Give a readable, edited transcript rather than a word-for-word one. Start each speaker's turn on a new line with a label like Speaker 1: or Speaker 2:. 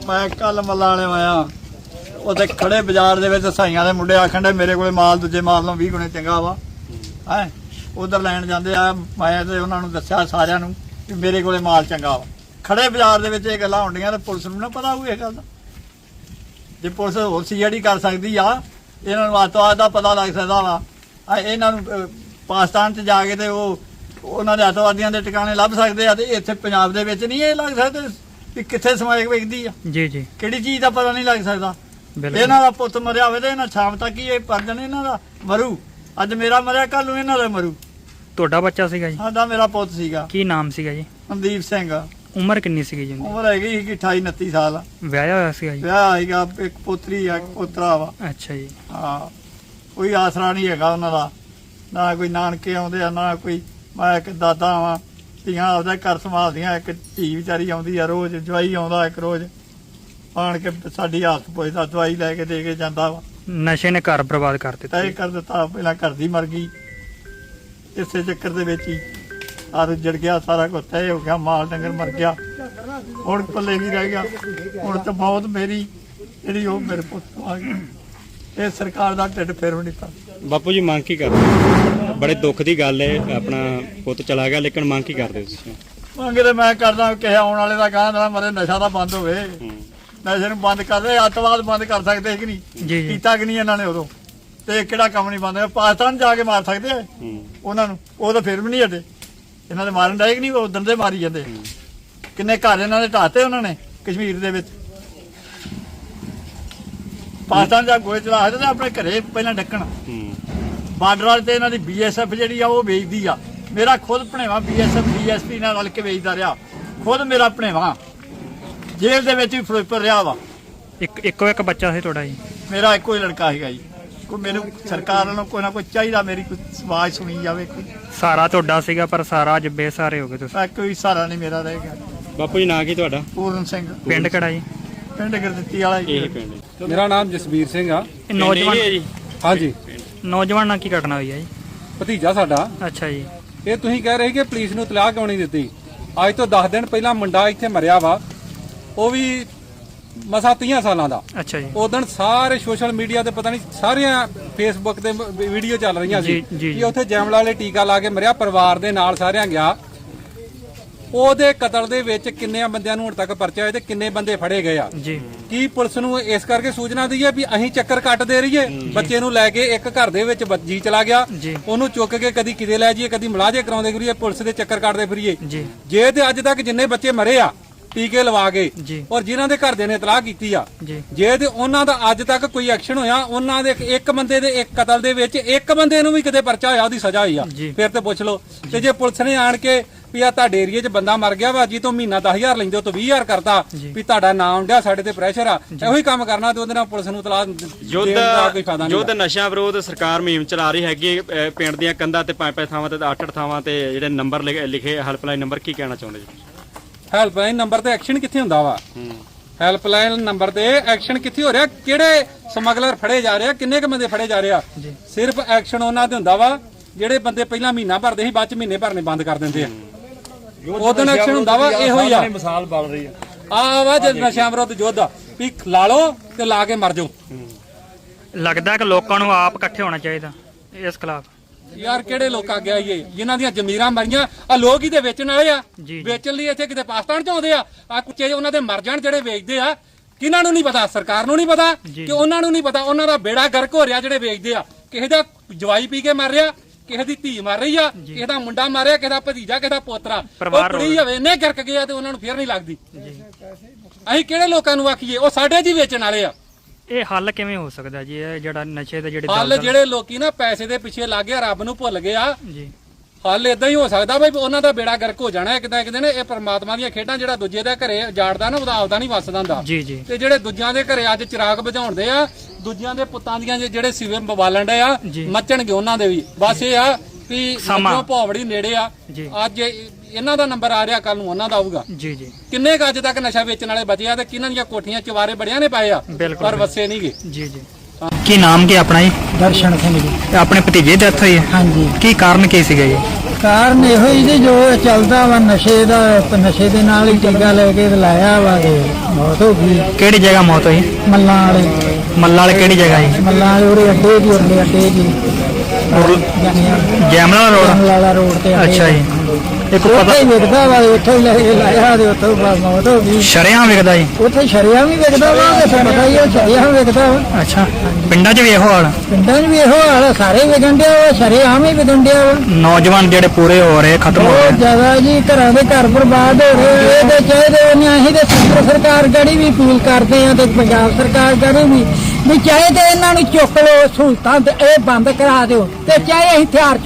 Speaker 1: मैं कल मल्ला वाले आया उत्थे खड़े बाजार दे विच साइयां दे मुंडे आखण दे मेरे कोले माल दूजे माल नालों 20 गुणे चंगा वा है उधर लैण जांदे आ मैं ते उन्हां नूं दस्सिया सारिआं नूं कि मेरे कोले माल चंगा वा खड़े बाजार दे विच इह गल्लां होंदियां ते पुलिस नूं ना पता होऊ इस गल दा जे पुलिस होर सीआईडी कर सकदी आ इन्हां नूं अतवाद दा पता लग सकदा वा इन्हां नूं पाकिस्तान च जा के ते उन्हां दे अतवादियां दे ठिकाने लभ सकदे आ ते इत्थे पंजाब दे विच नहीं इह लग सकदे कि कित्थे समाइक विकदी आ जी जी किहड़ी चीज़ दा पता नहीं लग सकदा इन्हां दा पुੱਤ मरिया होवे ते इन्हां शाम तक ही परजन इन्हां दा मरू अज मेरा मरिया कल नूं इन्हां दा मरू
Speaker 2: ਤੁਹਾਡਾ ਬੱਚਾ ਸੀਗਾ ਜੀ
Speaker 1: ਸਾਡਾ ਮੇਰਾ ਪੁੱਤ ਸੀਗਾ ਕੀ
Speaker 2: ਨਾਮ ਸੀਗਾ ਜੀ
Speaker 1: ਮਨਦੀਪ ਸਿੰਘ
Speaker 2: ਉਮਰ ਕਿੰਨੀ ਸੀਗੀ ਜੀ
Speaker 1: ਉਮਰ ਹੈਗੀ 28 29 ਸਾਲ
Speaker 2: ਵਿਆਹਿਆ ਹੋਇਆ ਸੀਗਾ ਜੀ
Speaker 1: ਵਿਆਹ ਹੈਗਾ ਇੱਕ ਪੁੱਤਰੀ ਆ ਪੁੱਤਰਾ ਵਾ
Speaker 2: ਅੱਛਾ ਜੀ
Speaker 1: ਹਾਂ ਕੋਈ ਆਸਰਾ ਨਹੀਂ ਹੈਗਾ ਉਹਨਾਂ ਦਾ ਨਾ ਕੋਈ ਨਾਨਕੇ ਆਉਂਦੇ ਆ ਨਾ ਕੋਈ ਮੈਂ ਇੱਕ ਦਾਦਾ ਵਾਂ ਧੀਆਂ ਆਪਦਾ ਘਰ ਸੰਭਾਲਦੀਆਂ ਇੱਕ ਧੀ ਵਿਚਾਰੀ ਆਉਂਦੀ ਆ ਰੋਜ਼ ਜਵਾਈ ਆਉਂਦਾ ਇੱਕ ਰੋਜ਼ ਆਣ ਕੇ ਸਾਡੀ ਹਾਲਤ ਪੁੱਛਦਾ ਦਵਾਈ ਲੈ ਕੇ ਦੇ ਕੇ ਜਾਂਦਾ ਵਾ
Speaker 2: ਨਸ਼ੇ ਨੇ ਘਰ ਬਰਬਾਦ ਕਰ ਦਿੱਤਾ
Speaker 1: ਤੈਅ ਕਰ ਦਿੱਤਾ ਪਹਿਲਾਂ ਘਰ ਦੀ ਮਰ ਗਈ ਇਸੇ ਚੱਕਰ ਦੇ ਵਿੱਚ ਹੀ ਆਰ ਜੜ ਗਿਆ ਸਾਰਾ ਕੁਝ ਤੈਅ ਹੋ ਗਿਆ ਮਾਲ ਡੰਗਰ ਮਰ ਗਿਆ ਹੁਣ ਪੱਲੇ ਨਹੀਂ ਰਹਿ ਗਿਆ ਹੁਣ ਤਾਂ ਬਹੁਤ ਮੇਰੀ ਜਿਹੜੀ ਉਹ ਮੇਰੇ ਪੁੱਤ ਆ ਗਈ ਇਹ ਸਰਕਾਰ ਦਾ ਢਿੱਡ ਫੇਰ ਨਹੀਂ ਪਾ
Speaker 3: ਬਾਪੂ ਜੀ ਮੰਗ ਕੀ ਕਰਦੇ ਬੜੇ ਦੁੱਖ ਦੀ ਗੱਲ ਹੈ ਆਪਣਾ ਪੁੱਤ ਚਲਾ ਗਿਆ ਲੇਕਿਨ ਮੰਗ ਕੀ ਕਰਦੇ ਤੁਸੀਂ
Speaker 1: ਮੰਗ ਤੇ ਮੈਂ ਕਰਦਾ ਕਿ ਆਉਣ ਵਾਲੇ ਦਾ ਕਹਿੰਦਾ ਮਰੇ ਨਸ਼ਾ ਦਾ ਬੰਦ ਹੋਵੇ ਨਸ਼ੇ ਨੂੰ ਬੰਦ ਕਰ ਦੇ ਅੱਤਵਾਦ ਬੰਦ ਕਰ ਸਕਦੇ ਕਿ ਨਹੀਂ ਕੀਤਾ ਕਿ ਨਹੀਂ ਇਹਨਾਂ ਨੇ ਉਦੋਂ ਤੇ ਕਿਹੜਾ ਕੰਮ ਨਹੀਂ ਬੰਦ ਪਾਕਿਸਤਾਨ ਜਾ ਕੇ ਮਾਰ ਸਕਦੇ ਆ ਉਹਨਾਂ ਨੂੰ ਉਹ ਤਾਂ ਫਿਰ ਵੀ ਨਹੀਂ ਹਟੇ ਇਹਨਾਂ ਦੇ ਮਾਰਨ ਦਾ ਕਿ ਨਹੀਂ ਉਦੋਂ ਦੇ ਮਾਰੀ ਜਾਂਦੇ ਕਿੰਨੇ ਘਰ ਇਹਨਾਂ ਦੇ ਢਾਤੇ ਉਹਨਾਂ ਨੇ ਕਸ਼ਮੀਰ ਦੇ ਵਿੱਚ ਪਾਕਿਸਤਾਨ ਜਾ ਗੋਏ ਚਲਾ ਤੇ ਆਪਣੇ ਘਰੇ ਪਹਿਲਾਂ ਢੱਕਣ ਬਾਰਡਰ ਵਾਲੇ ਤੇ ਇਹਨਾਂ ਦੀ ਬੀਐਸਐਫ ਜਿਹੜੀ ਆ ਉਹ ਵੇਚਦੀ ਆ ਮੇਰਾ ਖੁਦ ਭਣੇਵਾ ਬੀਐਸਐਫ ਡੀਐਸਪੀ ਨਾਲ ਰਲ ਕੇ ਵੇਚਦਾ ਰਿਹਾ ਖੁਦ ਮੇਰਾ ਭਣੇਵਾ ਜੇਲ੍ਹ ਦੇ ਵਿੱਚ ਵੀ ਫਿਰੋਜ਼ਪੁਰ ਰਿਹਾ ਵਾ
Speaker 2: ਇੱਕੋ ਇੱਕ ਬੱਚਾ ਸੀ ਤੁਹਾਡਾ ਜੀ
Speaker 1: ਮੇਰਾ ਇੱਕੋ ਹੀ ਲੜਕਾ ਹੈਗਾ ਜੀ ਕੋਈ ਮੈਨੂੰ ਸਰਕਾਰ ਵੱਲੋਂ ਕੋਈ ਨਾ ਕੋਈ ਚਾਹੀਦਾ ਮੇਰੀ ਕੋਈ ਆਵਾਜ਼ ਸੁਣੀ ਜਾਵੇ ਕੋਈ
Speaker 2: ਸਾਰਾ ਤੁਹਾਡਾ ਸੀਗਾ ਪਰ ਸਾਰਾ ਅੱਜ ਬੇਸਹਾਰੇ ਹੋ ਗਏ ਤੁਸੀਂ
Speaker 1: ਕੋਈ ਸਹਾਰਾ ਨਹੀਂ ਮੇਰਾ ਰਹਿ ਗਿਆ
Speaker 3: ਬਾਪੂ ਜੀ ਨਾਂ ਕੀ ਤੁਹਾਡਾ
Speaker 1: ਪੂਰਨ ਸਿੰਘ
Speaker 2: ਪਿੰਡ ਕਿਹੜਾ ਜੀ
Speaker 1: ਪਿੰਡ ਗੁਰਦਿੱਤੀ ਵਾਲਾ ਜੀ
Speaker 3: ਇਹ ਪਿੰਡ
Speaker 4: ਮੇਰਾ ਨਾਮ ਜਸਵੀਰ ਸਿੰਘ ਆ
Speaker 2: ਨੌਜਵਾਨ
Speaker 3: ਜੀ
Speaker 4: ਹਾਂਜੀ
Speaker 2: ਨੌਜਵਾਨ ਨਾਲ ਕੀ ਘਟਨਾ ਹੋਈ ਹੈ ਜੀ
Speaker 4: ਭਤੀਜਾ ਸਾਡਾ
Speaker 2: ਅੱਛਾ ਜੀ
Speaker 4: ਇਹ ਤੁਸੀਂ ਕਹਿ ਰਹੇ ਕਿ ਪੁਲਿਸ ਨੂੰ ਇਤਲਾਹ ਕਿਉਂ ਨਹੀਂ ਦਿੱਤੀ ਅੱਜ ਤੋਂ 10 ਦਿਨ ਪਹਿਲਾਂ ਮੁੰਡਾ ਇੱਥੇ ਮਰਿਆ ਵਾ ਉਹ ਵੀ ਮਸਾ 30 ਸਾਲਾਂ ਦਾ
Speaker 2: ਅੱਛਾ ਜੀ
Speaker 4: ਉਦੋਂ ਸਾਰੇ ਸੋਸ਼ਲ ਮੀਡੀਆ ਤੇ ਪਤਾ ਨਹੀਂ ਸਾਰੀਆਂ ਫੇਸਬੁੱਕ ਤੇ ਵੀਡੀਓ ਚੱਲ ਰਹੀਆਂ ਸੀ ਕਿ ਉੱਥੇ ਜੈਮਲਾ ਵਾਲੇ ਟੀਕਾ ਲਾ ਕੇ ਮਰਿਆ ਪਰਿਵਾਰ ਦੇ ਨਾਲ ਸਾਰਿਆਂ ਗਿਆ ਉਹਦੇ ਕਤਲ ਦੇ ਵਿੱਚ ਕਿੰਨੇ ਬੰਦਿਆਂ ਨੂੰ ਹੁਣ ਤੱਕ ਪਰਚਾ ਹੋਇਆ ਤੇ ਕਿੰਨੇ ਬੰਦੇ ਫੜੇ ਗਏ ਆ
Speaker 2: ਜੀ
Speaker 4: ਕੀ ਪੁਲਿਸ ਨੂੰ ਇਸ ਕਰਕੇ ਸੂਚਨਾ ਦਈਏ ਵੀ ਅਸੀਂ ਚੱਕਰ ਕੱਟ ਦੇ ਰਹੀਏ ਬੱਚੇ ਨੂੰ ਲੈ ਕੇ ਇੱਕ ਘਰ ਦੇ ਵਿੱਚ ਜੀ ਚਲਾ ਗਿਆ ਉਹਨੂੰ ਚੁੱਕ ਕੇ ਕਦੀ ਕਿਤੇ ਲੈ ਜਾਈਏ ਕਦੀ ਮੁਲਾਜ਼ੇ ਕਰਾਉਂਦੇ ਫਿਰੀਏ ਪੁਲਿਸ ਦੇ ਚੱਕਰ ਕੱਟਦੇ ਫਿਰੀਏ ਜੇ ਤੇ ਅੱਜ ਤੱਕ ਜਿੰਨੇ ਬੱਚੇ ਮਰੇ ਆ ਟੀਕੇ ਲਵਾ ਕੇ ਔਰ ਜਿਨ੍ਹਾਂ ਦੇ ਘਰਦਿਆਂ ਨੇ ਇਤਲਾਹ ਕੀਤੀ ਆ ਜੇ ਤੇ ਉਹਨਾਂ ਦਾ ਅੱਜ ਤੱਕ ਕੋਈ ਐਕਸ਼ਨ ਹੋਇਆ ਉਹਨਾਂ ਦੇ ਇੱਕ ਬੰਦੇ ਦੇ ਇੱਕ ਕਤਲ ਦੇ ਵਿੱਚ ਇੱਕ ਬੰਦੇ ਨੂੰ ਵੀ ਕਿਤੇ ਪਰਚਾ ਹੋਇਆ ਉਹਦੀ ਸਜ਼ਾ ਹੋਈ ਆ ਫਿਰ ਤੇ ਪੁੱਛ ਲਓ ਤੇ ਜੇ ਪੁਲਿਸ ਨੇ ਆਣ ਕੇ ਵੀ ਆ ਤੁਹਾਡੇ ਏਰੀਏ 'ਚ ਬੰਦਾ ਮਰ ਗਿਆ ਵਾ ਜੀ ਤੋਂ ਮਹੀਨਾ 10,000 ਲੈਂਦੇ ਹੋ ਤੋਂ 20,000 ਕਰਤਾ ਵੀ ਤੁਹਾਡਾ ਨਾਮ ਉੱਡਿਆ ਸਾਡੇ ਤੇ ਪ੍ਰੈਸ਼ਰ ਆ ਇਹੋ ਹੀ ਕੰਮ ਕਰਨਾ ਤੇ ਉਹਦੇ ਨਾਲ ਪੁਲਿਸ ਨੂੰ ਇਤਲਾਹ ਦੇਣ ਦਾ ਕੋਈ ਫਾਇਦਾ ਨਹੀਂ।
Speaker 3: ਯੁੱਧ ਨਸ਼ਾ ਵਿਰੋਧ ਸਰਕਾਰ ਮੁਹਿੰਮ ਚਲਾ ਰਹੀ ਹੈਗੀ ਪਿੰਡ ਦੀਆਂ ਕੰਧਾਂ ਤੇ 5-5 ਥਾਵਾਂ ਤੇ 8-8 ਥਾਵਾਂ ਤੇ ਜਿਹੜੇ ਨੰਬਰ ਲਿਖੇ ਹੈਲਪਲਾਈਨ ਨੰਬਰ ਕੀ ਕਹਿਣਾ ਚਾਹੁੰਦੇ ਜੀ
Speaker 4: ਹੈਲਪਲਾਈਨ ਨੰਬਰ ਤੇ ਐਕਸ਼ਨ ਕਿੱਥੇ ਹੁੰਦਾ ਵਾ ਹੈਲਪਲਾਈਨ ਨੰਬਰ ਤੇ ਐਕਸ਼ਨ ਕਿੱਥੇ ਹੋ ਰਿਹਾ ਕਿਹੜੇ ਸਮਗਲਰ ਫੜੇ ਜਾ ਰਹੇ ਆ ਕਿੰਨੇ ਕੁ ਬੰਦੇ ਫੜੇ ਜਾ ਰਹੇ ਆ ਸਿਰਫ ਐਕਸ਼ਨ ਉਹਨਾਂ ਤੇ ਹੁੰਦਾ ਵਾ ਜਿਹੜੇ ਬੰਦੇ ਪਹਿਲਾਂ ਮਹੀਨਾ ਭਰਦੇ ਸੀ ਬਾਅਦ ਚ ਮਹੀਨੇ ਭਰਨੇ ਬੰਦ ਕਰ ਦਿੰਦੇ ਆ ਉਦੋਂ ਐਕਸ਼ਨ ਹੁੰਦਾ ਵਾ ਇਹੋ ਹੀ ਆ
Speaker 1: ਮਿਸਾਲ ਬਣ ਰਹੀ
Speaker 4: ਆ ਵਾ ਜੇ ਨਸ਼ਿਆਂ ਵਿਰੁੱਧ ਯੁੱਧ ਵੀ ਲਾ ਲਓ ਤੇ ਲਾ ਕੇ ਮਰ ਜਾਓ
Speaker 2: ਲੱਗਦਾ ਕਿ ਲੋਕਾਂ ਨੂੰ ਆਪ ਇਕੱਠੇ ਹੋਣਾ ਚਾਹੀਦਾ ਇਸ ਖਿਲਾਫ
Speaker 4: ਯਾਰ ਕਿਹੜੇ ਲੋਕ ਆ ਗਿਆ ਇਹ ਜਿਨ੍ਹਾਂ ਦੀਆਂ ਜ਼ਮੀਰਾਂ ਮਰੀਆਂ ਆ ਲੋਕ ਹੀ ਤੇ ਵੇਚਣ ਵਾਲੇ ਆ ਵੇਚਣ ਲਈ ਇੱਥੇ ਕਿਤੇ ਪਾਕਿਸਤਾਨ ਚ ਆਉਂਦੇ ਆ ਕੁੱਚੇ ਉਹਨਾਂ ਦੇ ਮਰ ਜਾਣ ਜਿਹੜੇ ਵੇਚਦੇ ਆ ਕਿਹਨਾਂ ਨੂੰ ਨਹੀਂ ਪਤਾ ਸਰਕਾਰ ਨੂੰ ਨਹੀਂ ਪਤਾ ਕਿ ਉਹਨਾਂ ਨੂੰ ਨਹੀਂ ਪਤਾ ਉਹਨਾਂ ਦਾ ਬੇੜਾ ਗਰਕ ਹੋ ਰਿਹਾ ਜਿਹੜੇ ਵੇਚਦੇ ਆ ਕਿਸੇ ਦਾ ਜਵਾਈ ਪੀ ਕੇ ਮਰ ਰਿਹਾ ਕਿਸੇ ਦੀ ਧੀ ਮਰ ਰਹੀ ਆ ਕਿਸੇ ਦਾ ਮੁੰਡਾ ਮਾਰਿਆ ਕਿਸੇ ਦਾ ਭਤੀਜਾ ਕਿਸੇ ਦਾ ਪੋਤਰਾ ਉਹ ਕੁੜੀ ਹੋਵੇ ਇੰਨੇ ਗਰਕ ਗਿਆ ਤੇ ਉਹਨਾਂ ਨੂੰ ਫੇਰ ਨਹੀਂ ਲੱਗਦੀ ਅਸੀਂ ਕਿਹੜੇ ਲੋਕਾਂ ਨੂੰ ਆਖੀਏ ਉਹ ਸਾਡੇ ਜੀ ਵੇਚਣ ਵਾਲੇ ਆ
Speaker 2: ਇਹ ਹੱਲ ਕਿਵੇਂ ਹੋ ਸਕਦਾ ਜੀ ਇਹ ਜਿਹੜਾ ਨਸ਼ੇ ਦੇ
Speaker 4: ਹੱਲ ਜਿਹੜੇ ਲੋਕੀ ਨਾ ਪੈਸੇ ਦੇ ਪਿੱਛੇ ਲੱਗ ਗਏ ਰੱਬ ਨੂੰ ਭੁੱਲ ਗਏ ਆ ਹੱਲ ਇਦਾਂ ਹੀ ਹੋ ਸਕਦਾ ਬਈ ਉਹਨਾਂ ਦਾ ਬੇੜਾ ਗਰਕ ਹੋ ਜਾਣਾ ਇੱਕ ਦਿਨ ਇਹ ਪਰਮਾਤਮਾ ਦੀਆਂ ਖੇਡਾਂ ਜਿਹੜਾ ਦੂਜੇ ਦੇ ਘਰੇ ਜਾੜਦਾ ਨਾ ਉਹਦਾ ਆਪਦਾ ਨਹੀਂ ਵੱਸਦਾ ਹੁੰਦਾ ਤੇ ਜਿਹੜੇ ਦੂਜਿਆਂ ਦੇ ਘਰੇ ਅੱਜ ਚਿਰਾਗ ਬੁਝਾਉਂਦੇ ਆ ਦੂਜਿਆਂ ਦੇ ਪੁੱਤਾਂ ਦੀਆਂ ਜਿਹੜੇ ਸਿਵੇ ਬਵਾਲਣ ਦੇ ਆ ਮੱਚਣਗੇ ਉਹਨਾਂ ਦੇ ਵੀ ਬਸ ਇਹ ਆ ਵੀ ਸਮਾਂ ਭੌਵੜੀ ਨੇੜੇ ਆ ਅੱਜ ਇਹਨਾਂ ਦਾ ਨੰਬਰ ਆ ਰਿਹਾ ਕੱਲ ਨੂੰ ਉਹਨਾਂ ਦਾ ਆਊਗਾ ਕਿੰਨੇ ਕ ਅੱਜ ਤੱਕ ਨਸ਼ਾ ਵੇਚਣ ਵਾਲੇ ਬਚੇ ਆ ਤੇ ਕਿਹਨਾਂ ਦੀਆਂ ਕੋਠੀਆਂ ਚਵਾਰੇ ਬੜਿਆਂ ਨੇ ਪਾਏ ਆ ਪਰ ਵਸੇ ਨਹੀਂਗੇ
Speaker 2: ਕੀ ਨਾਮ ਕੀ ਆਪਣਾ ਜੀ
Speaker 5: ਦਰਸ਼ਨ ਸਿੰਘ ਜੀ
Speaker 2: ਆਪਣੇ ਭਤੀਜੇ ਦੀ ਡੈਥ ਹੋਈ ਹੈ
Speaker 5: ਹਾਂਜੀ
Speaker 2: ਕੀ ਕਾਰਨ ਕੀ ਸੀਗਾ ਜੀ
Speaker 5: ਕਾਰਨ ਇਹੋ ਹੀ ਜੀ ਜੋ ਚੱਲਦਾ ਵਾ ਨਸ਼ੇ ਦੇ ਨਾਲ ਹੀ ਟੀਕਾ ਲੈ ਕੇ ਲਾਇਆ ਵਾ ਤੇ ਮੌਤ ਹੋ ਗਈ।
Speaker 2: ਕਿਹੜੀ ਜਗ੍ਹਾ ਮੌਤ ਹੋਈ?
Speaker 5: ਮੱਲਾਂ
Speaker 2: ਵਾਲੇ ਕਿਹੜੀ ਜਗ੍ਹਾ ਜੀ?
Speaker 5: ਵਾਲੇ ਉਹਦੇ ਅੱਡੇ ਦੀ ਅੱਡੇ ਜੀ
Speaker 2: ਜੈਮਲਾ ਰੋਡ
Speaker 5: ਵਾਲਾ ਰੋਡ ਤੇ
Speaker 2: ਅੱਛਾ ਜੀ। ਇੱਕ ਪਤਾ
Speaker 5: ਉੱਥੇ ਹੀ ਵਿਕਦਾ ਵਾ, ਉੱਥੇ ਹੀ ਲੈ ਕੇ ਲਾਇਆ ਤੇ ਉੱਥੋਂ ਮੌਤ ਹੋ ਗਈ।
Speaker 2: ਸ਼ਰੇਆਮ ਵਿਕਦਾ ਜੀ?
Speaker 5: ਉੱਥੇ ਸ਼ਰੇਆਮ ਵੀ ਵਿਕਦਾ ਵਾ, ਤੇ ਪਤਾ ਹੀ ਉਹ ਸ਼ਰੇਆਮ ਵਿਕਦਾ ਵਾ।
Speaker 2: ਅੱਛਾ, ਪਿੰਡਾਂ 'ਚ ਵੀ ਇਹੋ ਹਾਲ?
Speaker 5: ਪਿੰਡਾਂ 'ਚ ਵੀ ਇਹੋ ਹਾਲ ਆ, ਸਾਰੇ ਵਿਕਣ ਡਿਆ ਵਾ, ਸ਼ਰੇਆਮ ਹੀ ਵਿਕਣ ਡਿਆ ਵਾ।
Speaker 2: ਨੌਜਵਾਨ ਜਿਹੜੇ ਪੂਰੇ ਹੋ ਰਹੇ, ਖਤਮ ਹੋ
Speaker 5: ਬਹੁਤ
Speaker 2: ਰਹੇ।
Speaker 5: ਜ਼ਿਆਦਾ ਜੀ, ਘਰਾਂ ਦੇ ਘਰ ਬਰਬਾਦ ਹੋ ਰਹੇ। ਇਹਦੇ ਚਾਹੀਦੇ ਨੇ, ਅਸੀਂ ਤੇ ਕੇਂਦਰ ਸਰਕਾਰ ਗੜੀ ਵੀ ਅਪੀਲ ਕਰਦੇ ਆ ਤੇ ਪੰਜਾਬ ਸਰਕਾਰ ਗੜੀ ਵੀ ਚਾਹੇ ਤੇ ਇਹਨਾਂ ਨੂੰ ਚੁੱਕ ਲਓ ਸਹੂਲਤਾਂ ਤੇ ਇਹ ਬੰਦ ਕਰਾ ਦਿਓ, ਤੇ ਚਾਹੇ ਅਸੀਂ ਹਥਿਆਰ